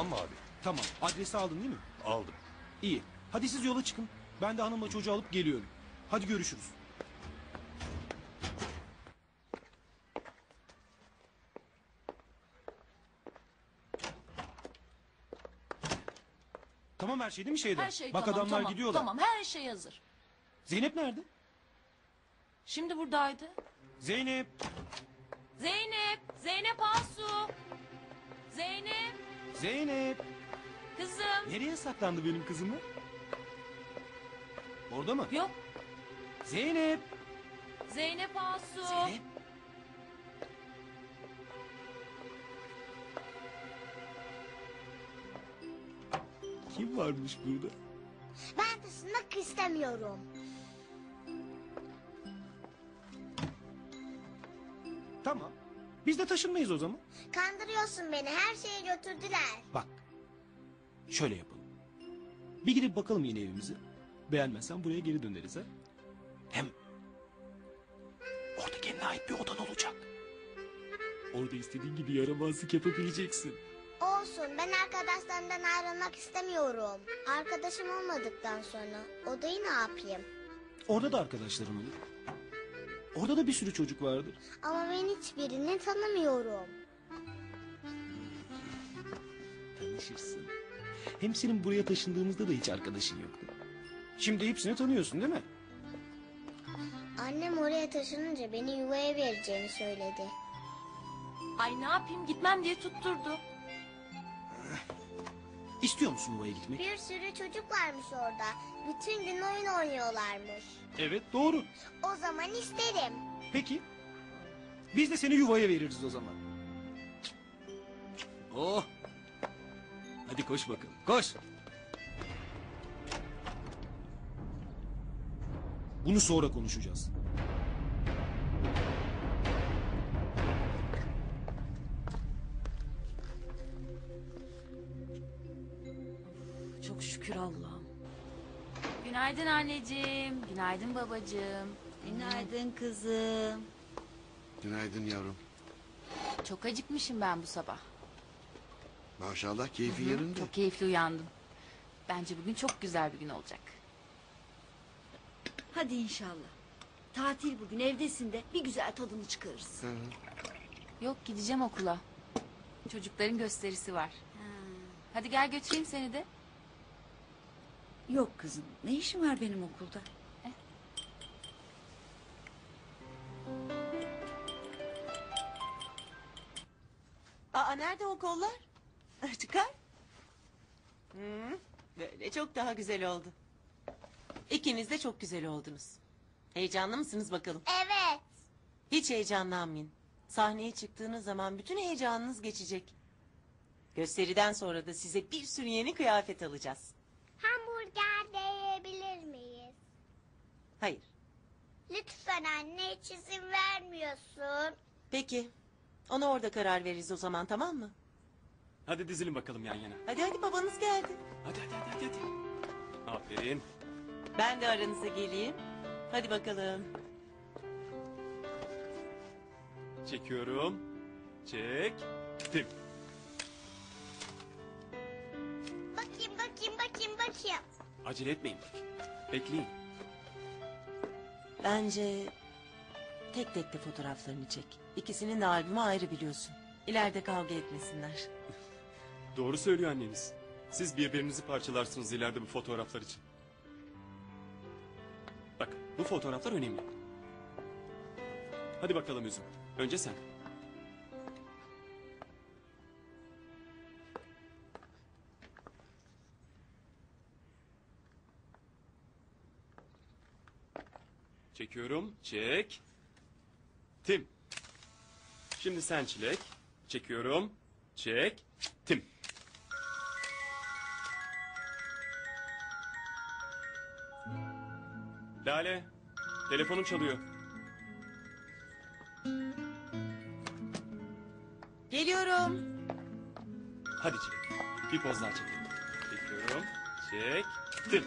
Tamam mı abi? Tamam. Adresi aldın değil mi? Aldım. İyi. Hadi siz yola çıkın. Ben de hanımla çocuğu alıp geliyorum. Hadi görüşürüz. Tamam her şey değil mi şeyde? Her şey Bak tamam, adamlar tamam, gidiyorlar. Tamam, her şey hazır. Zeynep nerede? Şimdi buradaydı. Zeynep. Zeynep, Zeynep Asu. Zeynep, Zeynep. kızım. Nereye saklandı benim kızım mı? Orada mı? Yok, Zeynep. Zeynep Asu. Zeynep. Kim varmış burada? Ben taşınmak istemiyorum. Tamam. Biz de taşınmayız o zaman. Kandırıyorsun beni. Her şeyi götürdüler. Bak. Şöyle yapalım. Bir gidip bakalım yeni evimize. Beğenmezsen buraya geri döneriz ha. Hem orada kendine ait bir odan olacak. Orada istediğin gibi yaramazlık yapabileceksin. Olsun. Ben arkadaşlarımdan ayrılmak istemiyorum. Arkadaşım olmadıktan sonra odayı ne yapayım? Orada da arkadaşların olur. Orada da bir sürü çocuk vardır. Ama ben hiçbirini tanımıyorum. Tanışırsın. Hem senin buraya taşındığımızda da hiç arkadaşın yoktu. Şimdi hepsini tanıyorsun değil mi? Annem oraya taşınınca beni yuvaya vereceğini söyledi. Ay ne yapayım, gitmem diye tutturdu. İstiyor musun yuvaya gitmek? Bir sürü çocuk varmış orada. Bütün gün oyun oynuyorlarmış. Evet doğru. O zaman isterim. Peki. Biz de seni yuvaya veririz o zaman. Oh. Hadi koş bakalım. Koş. Bunu sonra konuşacağız. Çok şükür Allah'ım. Günaydın anneciğim, günaydın babacığım. Günaydın kızım. Günaydın yavrum. Çok acıkmışım ben bu sabah. Maşallah keyfi yerinde. Çok keyifli uyandım. Bence bugün çok güzel bir gün olacak. Hadi inşallah. Tatil bugün, evdesin de bir güzel tadını çıkarırız. Hı hı. Yok, gideceğim okula. Çocukların gösterisi var. Hadi gel götüreyim seni de. Yok kızım, ne işin var benim okulda? Aa, nerede o kollar? Çıkar. Böyle çok daha güzel oldu. İkiniz de çok güzel oldunuz. Heyecanlı mısınız bakalım? Evet. Hiç heyecanlanmayın. Sahneye çıktığınız zaman bütün heyecanınız geçecek. Gösteriden sonra da size bir sürü yeni kıyafet alacağız. Hamburger de yiyebilir miyiz? Hayır. Lütfen anne, hiç izin vermiyorsun. Peki. Ona orada karar veririz o zaman, tamam mı? Hadi dizilin bakalım yan yana. Hadi hadi, babanız geldi. Hadi. Aferin. Ben de aranıza geleyim. Hadi bakalım. Çekiyorum. Çektim. Bakayım. Acele etmeyin. Bekleyin. Bence tek tek de fotoğraflarını çek. İkisinin de albümü ayrı biliyorsun. İleride kavga etmesinler. Doğru söylüyor anneniz. Siz birbirinizi parçalarsınız ileride bu fotoğraflar için. Bak bu fotoğraflar önemli. Hadi bakalım Üzüm. Önce sen. Çekiyorum. Çektim. Şimdi sen Çilek. Çekiyorum. Çektim. Lale. Telefonun çalıyor. Geliyorum. Hadi Çilek. Bir poz daha çekelim. Çekiyorum. Çektim.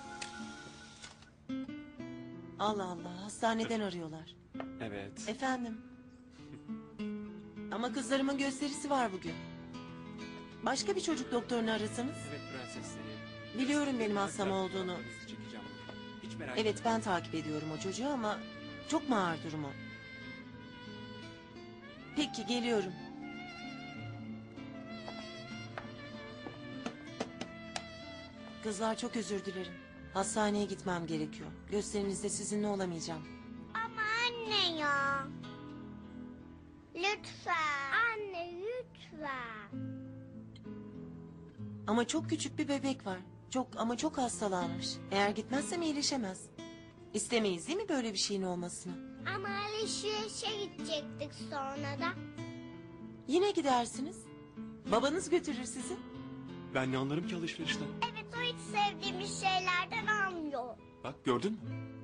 Allah Allah, hastaneden arıyorlar. Evet. Efendim. Ama kızlarımın gösterisi var bugün. Başka bir çocuk doktorunu arasanız. Evet prensesleri. Biliyorum benim hastam olduğunu. Çekeceğim. Hiç merak Evet ben takip ediyorum o çocuğu ama çok mu ağır durumu? Peki geliyorum. Kızlar çok özür dilerim. Hastaneye gitmem gerekiyor. Gösterinizde sizinle olamayacağım. Ama anne ya. Lütfen. Anne lütfen. Ama çok küçük bir bebek var. Çok hastalanmış. Eğer gitmezsem iyileşemez. İstemeyiz değil mi böyle bir şeyin olmasını? Ama alışverişe gidecektik sonra da. Yine gidersiniz. Babanız götürür sizi. Ben ne anlarım ki alışverişten? Evet o hiç sevdiğimiz şeylerden almıyor. Bak gördün mü?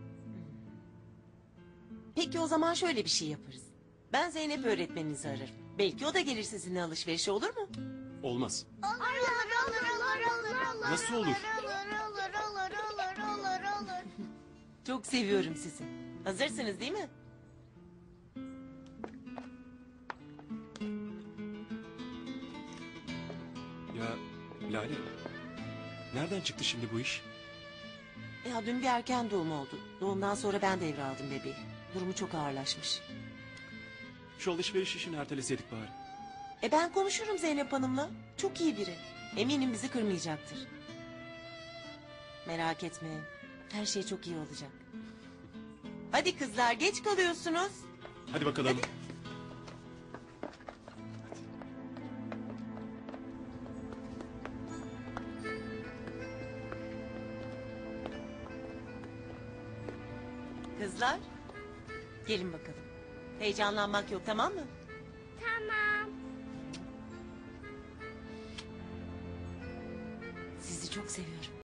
Peki o zaman şöyle bir şey yaparız. Ben Zeynep öğretmeninizi ararım. Belki o da gelir sizinle alışverişe olur mu? Olmaz. Olur. Nasıl olur? Olur. Çok seviyorum sizi. Hazırsınız değil mi? Ya Lale. Nereden çıktı şimdi bu iş? Ya dün bir erken doğum oldu. Doğumdan sonra ben devraldım bebeği. Durumu çok ağırlaşmış. Şu alışveriş işini erteleseydik bari. Ben konuşurum Zeynep Hanım'la. Çok iyi biri. Eminim bizi kırmayacaktır. Merak etmeyin. Her şey çok iyi olacak. Hadi kızlar geç kalıyorsunuz. Hadi bakalım. Kızlar. Gelin bakalım. Heyecanlanmak yok tamam mı? Tamam. Sizi çok seviyorum.